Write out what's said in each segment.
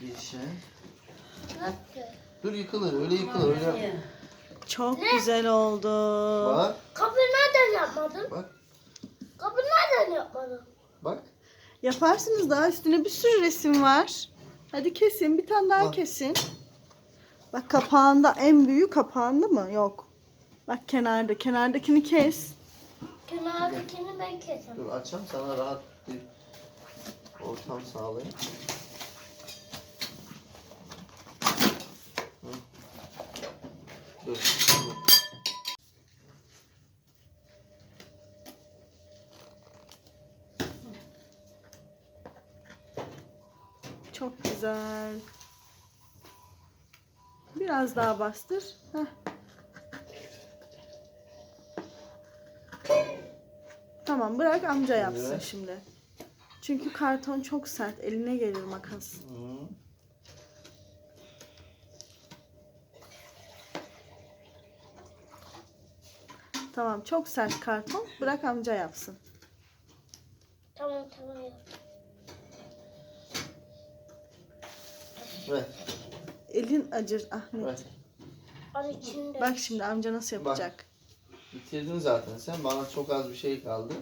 bir şey. Nasıl? Dur yıkılır, öyle yıkılır, öyle. Çok güzel oldu. Bak, Kapı nereden yapmadın? bak, Kapı nereden yapmadın? bak. Yaparsınız, daha üstüne bir sürü resim var. Hadi kesin, bir tane daha Bak. kesin. Bak kapağında, en büyüğü kapağında mı? Yok. Bak kenarda, kenardakini kes. Kenardakini ben kesemem. Dur açayım sana rahat bir ortam sağlayayım. Hı. Dur. Dur. Çok güzel. Biraz daha bastır. Heh. Tamam, bırak amca yapsın Evet. şimdi. Çünkü karton çok sert, eline gelir makas. Hı. Tamam, çok sert karton. Bırak amca yapsın. Tamam yap. Ver, Elin acır Ahmet. ver. Al içinde. Bak şimdi amca nasıl yapacak. Bitirdin zaten sen. Bana çok az bir şey kaldı.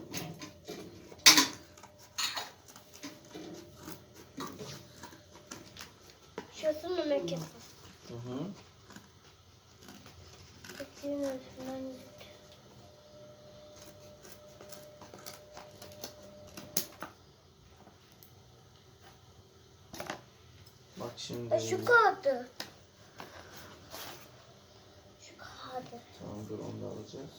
Şurasını ne kesin? Hı hı. Kesin üstünden git. Bak şimdi. Şu kağıdı. Şu kağıdı. Tamam dur onu da alacağız.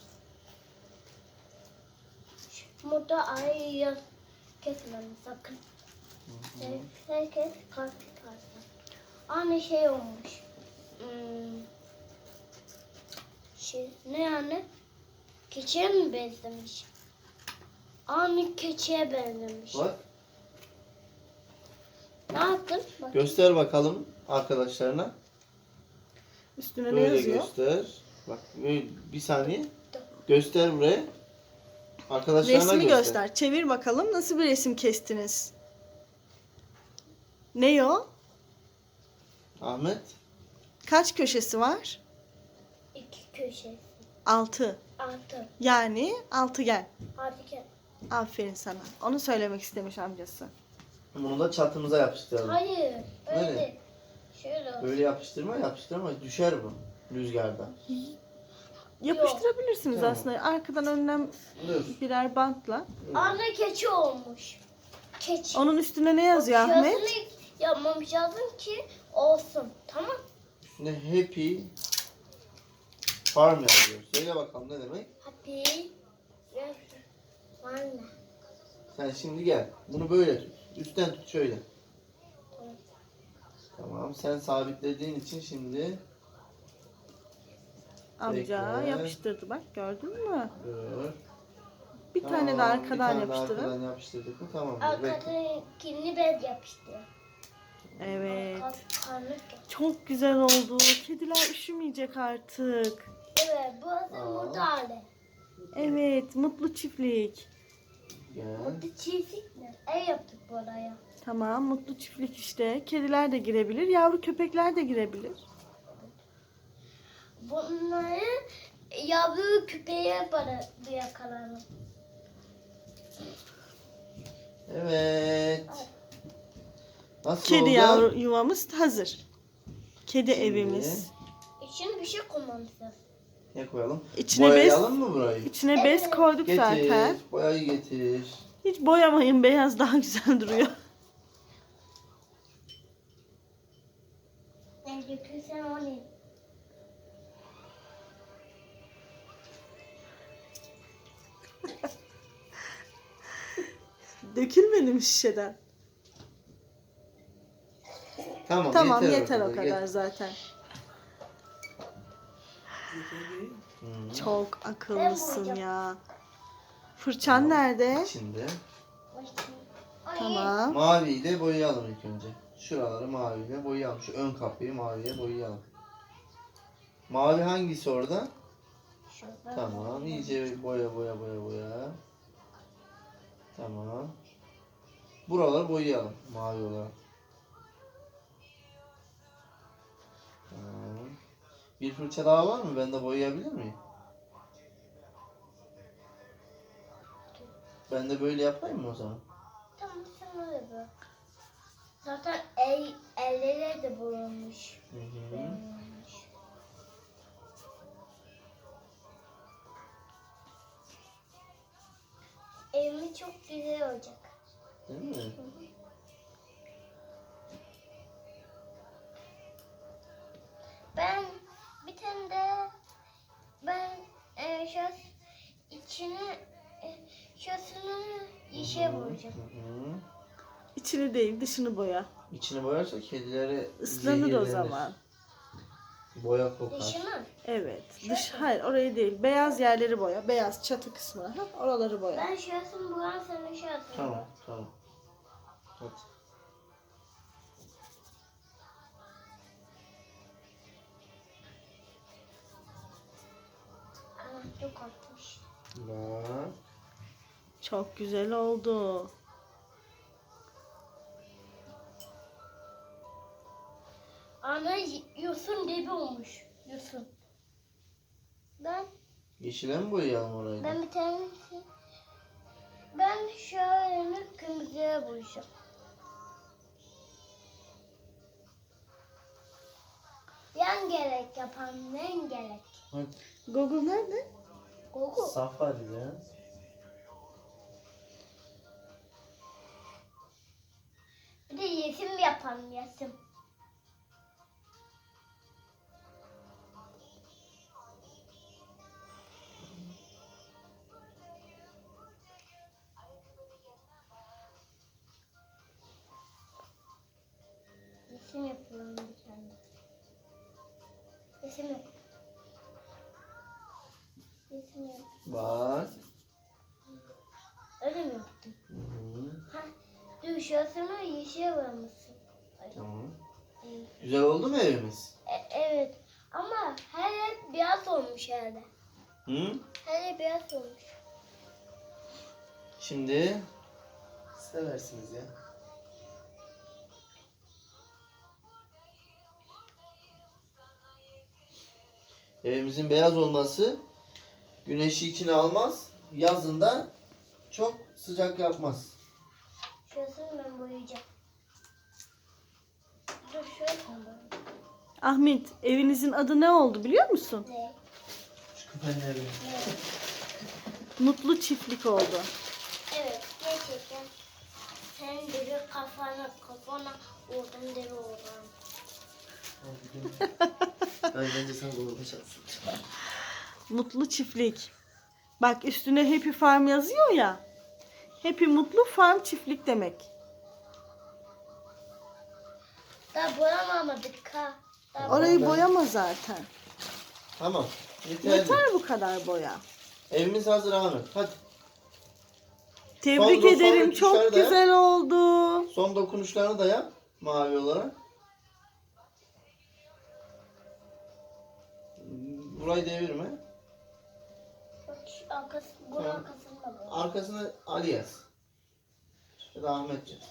Burada ay yaz kesmem sakın. Herkes kalp çıkarsın. Aynı şey olmuş. Ne yani? Keçiye mi benzemiş? Aynı keçiye benzemiş. Bak. Ne yaptın? Bak. Göster bakalım arkadaşlarına. Üstüne ne Böyle yazıyor? göster. Bak bir saniye. Göster buraya. Arkadaşlarına Resmi göster. Çevir bakalım, nasıl bir resim kestiniz? Ne o? Ahmet. Kaç köşesi var? 2 köşesi. 6. 6. Yani altıgen. Harika. Aferin sana. Onu söylemek istemiş amcası. Bunu da çatımıza yapıştıralım. Hayır. Öyle. Nereye? Şöyle olsun. Böyle yapıştırma düşer bu rüzgarda. Yapıştırabilirsiniz Tamam. aslında. Arkadan önden Dur. birer bantla. Anne keçi olmuş. Keçi. Onun üstüne ne yazıyor Ahmet? Şurasını yapmamız lazım ki olsun. Tamam. Üstüne happy farm yazıyor. Söyle bakalım ne demek? Happy. Anne. Sen şimdi gel. Bunu böyle tut. Üstten tut şöyle. Tamam. Tamam. Sen sabitlediğin için şimdi Amca Bekle. yapıştırdı bak, gördün mü? dur. Bir tane de Tamam, arkadan bir tane de yapıştırın. arkadan yapıştırdık mı? Tamam. Bekle. Arkadakini bez yapıştı. Evet. Karnık. Çok güzel oldu. Kediler üşümeyecek artık. Evet, burası mutlu hali. Evet, mutlu çiftlik. Gel. Mutlu çiftlik mi? Ev yaptık buraya. Tamam, mutlu çiftlik işte. Kediler de girebilir, yavru köpekler de girebilir. Bunları yavru küpeye para yakalarım. Evet. Nasıl Kedi oldu? yavru yuvamız hazır. Kedi Şimdi evimiz. İçine bir şey koymamız lazım. Ne koyalım? İçine Boyayalım mı burayı? İçine bez koyduk Getir. zaten. Boyayı getir. Hiç boyamayın, beyaz daha güzel duruyor. Ben götürsem onu. Dökülmedi mi şişeden? Tamam, Yeter o kadar. kadar zaten. Hı. Çok akıllısın Ben ya. Fırçan nerede? İçinde. Tamam. Maviyi de boyayalım ilk önce. Şuraları maviyle boyayalım. Şu ön kapıyı maviye boyayalım. Mavi hangisi orada? Tamam. İyice boya. Tamam. Buraları boyayalım mavi olarak. Bir fırça daha var mı? Ben de boyayabilir miyim? Ben de böyle yapayım mı o zaman? Tamam sen öyle bak. Zaten elleri de boyanmış. Hı hı. Boyanmış. Evimiz çok güzel olacak. Değil mi? Ben bir tane de şöyle içine şurasını yeşil boyayacağım. Hı hı. İçini değil dışını boya. İçini boyarsa kedileri Islanır o zehirlenir. zaman. Boya kokar. Dışını. Evet. Hayır orayı değil. Beyaz yerleri boya. Beyaz çatı kısmı. Ha, oraları boya. Ben şurasını boyam sen de şurasını. Tamam, tamam. Hadi. Ana çok atmış. Bak. Çok güzel oldu. Ana yosun gibi olmuş. Yosun. Yeşile mi boyayalım orayı? Ben bir tanesi. Ben şöyle kırmızıya boyayacağım. Yan gerek yapan yan gerek. Hadi. Google nerede? Google. Safari ya. Bir de yesim yapan yesim. Resim yapıyorum bir tane. Resim yap. Resim yap. Bak. Öyle mi yaptın? Hı hı. Ha, dur şurasını yeşil boyamışsın. Tamam. Evet. Güzel oldu mu evimiz? Evet. Ama her yer beyaz olmuş herhalde. Hı? Her yer beyaz olmuş. Şimdi seversiniz ya. Evimizin beyaz olması güneşi içine almaz. Yazında çok sıcak yapmaz. Şurasını ben boyayacağım. Dur şurasını boyayacağım. Ahmet, evinizin adı ne oldu biliyor musun? Ne? Şu küpenleri. Ne? Mutlu Çiftlik oldu. Evet gerçekten. Sen deri kafana oradan deri oradan. Bence sen konuşacaksın. Mutlu Çiftlik. Bak üstüne Happy Farm yazıyor ya. Happy Mutlu Farm Çiftlik demek. Daha boyamadık ha. Daha Orayı ben- boyama zaten. Tamam. Yeterli. Yeter bu kadar boya. Evimiz hazır Ahmet. Hadi. Tebrik Son ederim. tuşları Çok da yap. güzel oldu. Son dokunuşlarını da yap. Mavi olarak. Burayı devirme. Bak şu arkası, bunun Tamam. arkasını da boy. Arkasına Ali yaz. Ya da Ahmet yaz.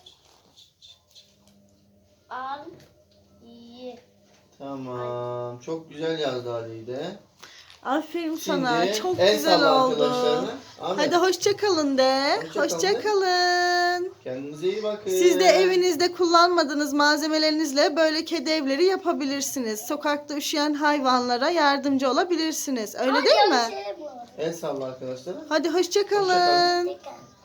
Al. İyi. Tamam. Çok güzel yazdı Ali'yi de. Aferin sana. Şimdi Çok el güzel salla oldu. arkadaşlarına. Ahmet, Hadi hoşça kalın de. Hoşça kalın de. Hoşça kalın. kendinize iyi bakın. Siz de evinizde kullanmadığınız malzemelerinizle böyle kedi evleri yapabilirsiniz. Sokakta üşüyen hayvanlara yardımcı olabilirsiniz. Öyle değil mi? Şey bu. El salla arkadaşlara. Hadi hoşça Hoşça kalın. kalın. Tekrar.